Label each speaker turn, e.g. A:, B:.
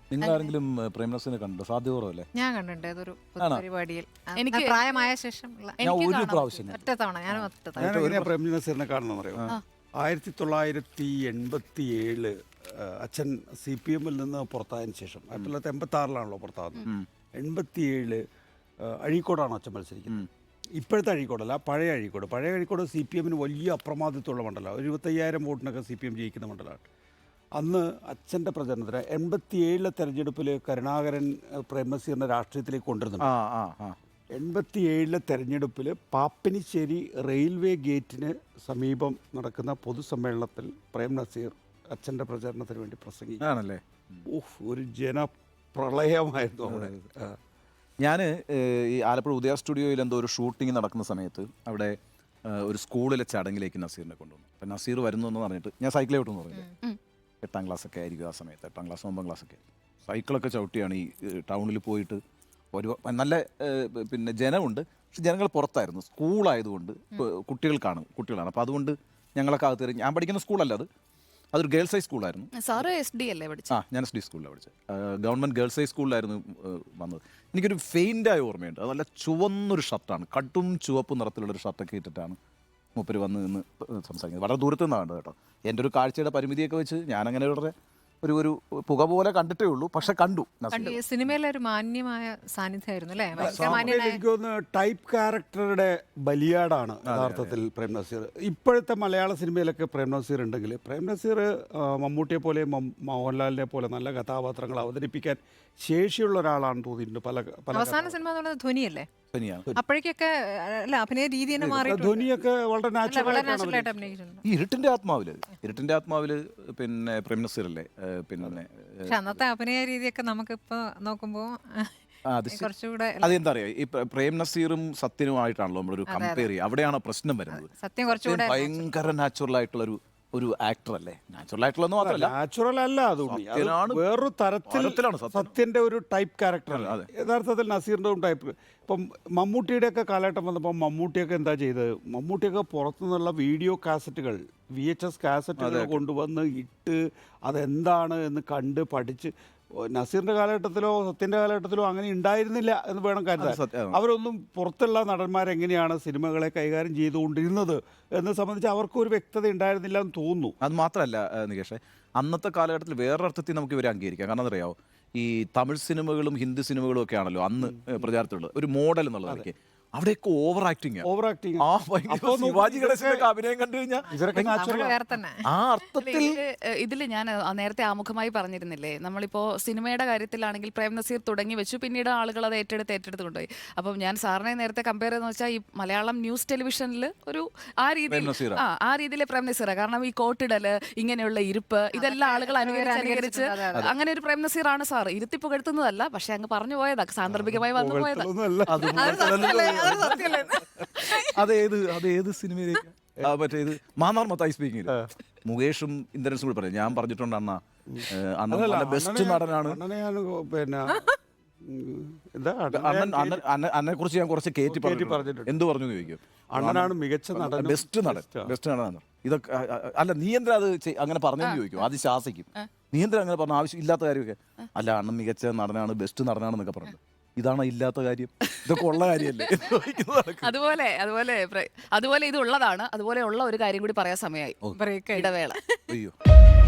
A: നിങ്ങൾ ആരെങ്കിലും പ്രേംനസീറിനെ കണ്ടോ? സാധ്യത കുറവല്ലേ?
B: ഞാൻ കണ്ടിട്ടുണ്ട് അതൊരു പരിപാടിയിൽ
C: എനിക്ക്
B: പ്രായമായ ശേഷം
A: ഞാൻ ഒരു പ്രാവശ്യം
B: ഒറ്റ തവണ ഞാൻ ഒറ്റ തവണ
D: ഞാൻ എങ്ങനെയാ പ്രേംനസീറിനെ കാണണമെന്ന് അറിയാം. 1987 അച്ഛൻ CPM-ൽ നിന്ന് പുറത്തായതിനു ശേഷം 1986 പുറത്താകുന്നത്. 87 അഴീക്കോടാണ് അച്ഛൻ മത്സരിക്കുന്നത്. ഇപ്പോഴത്തെ അഴീക്കോടല്ല, പഴയ അഴീക്കോട്. പഴയ അഴീക്കോട് CPM-ന് വലിയ അപ്രമാദിത്വമുള്ള മണ്ഡലമാണ്. 25,000 വോട്ടിനൊക്കെ CPM ജയിക്കുന്ന മണ്ഡലമാണ്. അന്ന് അച്ഛൻ്റെ പ്രചരണത്തിന് 87 തെരഞ്ഞെടുപ്പിൽ കരുണാകരൻ പ്രേംനസീറിനെ രാഷ്ട്രീയത്തിലേക്ക് കൊണ്ടുവരുന്നുണ്ട്. 87 തെരഞ്ഞെടുപ്പിൽ പാപ്പിനിശ്ശേരി റെയിൽവേ ഗേറ്റിന് സമീപം നടക്കുന്ന പൊതുസമ്മേളനത്തിൽ പ്രേംനസീർ അച്ഛൻ്റെ പ്രചരണത്തിന് വേണ്ടി പ്രസംഗിക്കുകയാണല്ലേ. ഒരു ജനപ്രളയമായിരുന്നു അവിടെ.
A: ഞാൻ ഈ ആലപ്പുഴ ഉദയ സ്റ്റുഡിയോയിൽ എന്തോ ഒരു ഷൂട്ടിംഗ് നടക്കുന്ന സമയത്ത് അവിടെ ഒരു സ്കൂളിലെ ചടങ്ങിലേക്ക് നസീറിനെ കൊണ്ടുവന്നു. അപ്പം നസീർ വരുന്നു എന്ന് പറഞ്ഞിട്ട് ഞാൻ സൈക്കിളെ വിട്ടെന്ന് പറഞ്ഞില്ലേ, 8ാം ക്ലാസ്സൊക്കെ ആയിരിക്കും ആ സമയത്ത്, 8ാം ക്ലാസ് 9ാം ക്ലാസ്സൊക്കെ സൈക്കിളൊക്കെ ചവിട്ടിയാണ് ഈ ടൗണിൽ പോയിട്ട്. ഒരു നല്ല പിന്നെ ജനമുണ്ട്, പക്ഷെ ജനങ്ങൾ പുറത്തായിരുന്നു. സ്കൂളായതുകൊണ്ട് കുട്ടികളാണ്. അപ്പോൾ അതുകൊണ്ട് ഞങ്ങളൊക്കെ അകത്ത് ഞാൻ പഠിക്കുന്ന സ്കൂളല്ല അതൊരു ഗേൾസ് ഹൈ സ്കൂളായിരുന്നു.
C: സാറ് SD അല്ലേ പഠിച്ചത്?
A: ഞാൻ SD സ്കൂളിലാണ് പഠിച്ചത്. ഗവൺമെൻറ് ഗേൾസ് ഹൈ സ്കൂളിലായിരുന്നു വന്നത്. എനിക്കൊരു ഫെയിൻ്റായ ഓർമ്മയുണ്ട്. അത് നല്ല ചുവന്നൊരു ഷർട്ടാണ്, കട്ടും ചുവപ്പ് നിറത്തിലുള്ളൊരു ഷർട്ടൊക്കെ ഇട്ടിട്ടാണ് മൂപ്പര് വന്ന് നിന്ന് സംസാരിക്കുന്നത്. വളരെ ദൂരത്തു നിന്നാണ് കേട്ടോ. എൻ്റെ ഒരു കാഴ്ചയുടെ പരിമിതിയൊക്കെ വെച്ച് ഞാനങ്ങനെ വളരെ ഒരു പുക പോലെ കണ്ടിട്ടേ ഉള്ളൂ, പക്ഷെ കണ്ടു.
B: സിനിമയിലെ ഒരു മാന്യമായ സാന്നിധ്യമായിരുന്നു അല്ലേ?
D: എനിക്ക് തോന്നുന്നു ടൈപ്പ് ക്യാരക്ടറുടെ ബലിയാടാണ് യഥാർത്ഥത്തിൽ പ്രേംനസീർ. ഇപ്പോഴത്തെ മലയാള സിനിമയിലൊക്കെ പ്രേംനസീർ ഉണ്ടെങ്കിൽ പ്രേംനസീർ മമ്മൂട്ടിയെ പോലെ മോഹൻലാലിനെ പോലെ നല്ല കഥാപാത്രങ്ങൾ അവതരിപ്പിക്കാൻ ശേഷിയുള്ള ഒരാളാണ് തോന്നിയിട്ടുണ്ട്.
B: അവസാന സിനിമ എന്നുള്ളത് ധ്വനിയല്ലേ? അപ്പോഴേക്കൊക്കെ അല്ല, അഭിനയ രീതി തന്നെ മാറി.
D: ധ്വനിയൊക്കെ വളരെ
B: നാച്ചുറലായിട്ട്
D: നാച്ചുറൽ.
B: അഭിനയിച്ചിട്ടുണ്ട്.
A: ഈ ഇരുട്ടിന്റെ ആത്മാവില് പിന്നെ പ്രേംനസീർ അല്ലേ പിന്നെ.
B: പക്ഷെ അന്നത്തെ അഭിനയ രീതിയൊക്കെ നമുക്കിപ്പോ നോക്കുമ്പോ കുറച്ചുകൂടെ
A: അതെന്താ അറിയാം, ഈ പ്രേംനസീറും സത്യനുമായിട്ടാണല്ലോ നമ്മളൊരു കമ്പയർ ചെയ്യുക. അവിടെയാണ് പ്രശ്നം വരുന്നത്.
B: സത്യം കുറച്ചുകൂടെ
A: ഭയങ്കര നാച്ചുറൽ ആയിട്ടുള്ള ഒരു ആക്ടർ അല്ലേ? നാച്ചുറൽ ആയിട്ടുള്ള മാത്രമല്ല,
D: നാച്ചുറൽ അല്ല, അത് വേറൊരു തരത്തിലാണ് സത്യന്റെ ഒരു ടൈപ്പ് ക്യാരക്ടർ. യഥാർത്ഥത്തിൽ നസീറിന്റെ ടൈപ്പ്. ഇപ്പം മമ്മൂട്ടിയുടെ ഒക്കെ കാലഘട്ടം വന്നപ്പോൾ മമ്മൂട്ടിയൊക്കെ എന്താ ചെയ്തത്? മമ്മൂട്ടിയൊക്കെ പുറത്തുനിന്നുള്ള വീഡിയോ കാസറ്റുകൾ, VHS കാസറ്റുകൾ കൊണ്ടുവന്ന് ഇട്ട് അതെന്താണ് എന്ന് കണ്ട് പഠിച്ച്. നസീറിന്റെ കാലഘട്ടത്തിലോ സത്യന്റെ കാലഘട്ടത്തിലോ അങ്ങനെ ഉണ്ടായിരുന്നില്ല എന്ന് വേണം കരുതാൻ. അവരൊന്നും പുറത്തുള്ള നടന്മാരെങ്ങനെയാണ് സിനിമകളെ കൈകാര്യം ചെയ്തുകൊണ്ടിരുന്നത് എന്ന് സംബന്ധിച്ച് അവർക്കൊരു വ്യക്തത ഉണ്ടായിരുന്നില്ല എന്ന് തോന്നുന്നു.
A: അത് മാത്രമല്ല നികേഷേ, അന്നത്തെ കാലഘട്ടത്തിൽ വേറൊരർത്ഥത്തിൽ നമുക്ക് ഇവരെ അംഗീകരിക്കാം. കാരണം അറിയാമോ, ഈ തമിഴ് സിനിമകളും ഹിന്ദി സിനിമകളും ഒക്കെ ആണല്ലോ അന്ന് പ്രചാരത്തിലുള്ളത്. ഒരു മോഡൽ എന്നുള്ളതൊക്കെ അവിടെയൊക്കെ ഓവർ ആക്ടിങ്. ശിവാജി ഗണേശനൊക്കെ അഭിനയം കണ്ടു കഴിഞ്ഞാൽ
C: ആ അർത്ഥത്തിൽ ഇതിൽ ഞാൻ നേരത്തെ ആമുഖമായി പറഞ്ഞിരുന്നില്ലേ, നമ്മളിപ്പോ സിനിമയുടെ കാര്യത്തിലാണെങ്കിൽ പ്രേംനസീർ തുടങ്ങി വെച്ചു, പിന്നീട് ആളുകൾ അത് ഏറ്റെടുത്ത് കൊണ്ടുപോയി. അപ്പം ഞാൻ സാറിനെ നേരത്തെ കമ്പയർ ചെയ്യുന്ന വെച്ചാൽ ഈ മലയാളം ന്യൂസ് ടെലിവിഷനിൽ ഒരു ആ രീതിയിൽ പ്രേംനസീർ. കാരണം ഈ കോട്ടിടല്, ഇങ്ങനെയുള്ള ഇരിപ്പ്, ഇതെല്ലാം ആളുകൾ അനുകരിച്ച് അങ്ങനെ ഒരു പ്രേംനസീറാണ് സാർ. ഇരുത്തി പുകഴ്ത്തുന്നതല്ല, പക്ഷെ അങ്ങ് പറഞ്ഞു പോയതാ, സാന്ദർഭികമായി വന്നു പോയതാ.
A: അതേത് സിനിമയിലേക്ക്? മറ്റേ ഇത് മാന്നാർ മത്തായി സ്പീക്കിംഗ്, മുകേഷും ഇന്ദ്രൻസും കൂടി പറഞ്ഞു. ഞാൻ പറഞ്ഞിട്ടുണ്ട് അന്ന് ബെസ്റ്റ് നടനാണ്.
D: പിന്നെ
A: അന്നെ കുറിച്ച് ഞാൻ കുറച്ച് കയറ്റി പറഞ്ഞിട്ടുണ്ട്. എന്ത് പറഞ്ഞു ചോദിക്കും? അണ്ണനാണ് മികച്ച നടൻ, ബെസ്റ്റ് നടനാണ്. ഇതൊക്കെ അല്ല, നീ എന്തിനാ അത് അങ്ങനെ പറഞ്ഞെന്ന് ചോദിക്കും. അത് ശാസിക്കും. നീ എന്തിനാ അങ്ങനെ പറഞ്ഞ? ആവശ്യം ഇല്ലാത്ത കാര്യമൊക്കെ. അല്ല, അണ്ണൻ മികച്ച നടനാണ്, ബെസ്റ്റ് നടനാണെന്നൊക്കെ പറഞ്ഞു. ഇതാണ് ഇല്ലാത്ത കാര്യം, ഇതൊക്കെ ഉള്ള കാര്യമല്ലേ?
C: അതുപോലെ ഇത് ഉള്ളതാണ്. അതുപോലെ ഉള്ള ഒരു കാര്യം കൂടി പറയാൻ സമയമായി. ഇടവേള.
A: അയ്യോ.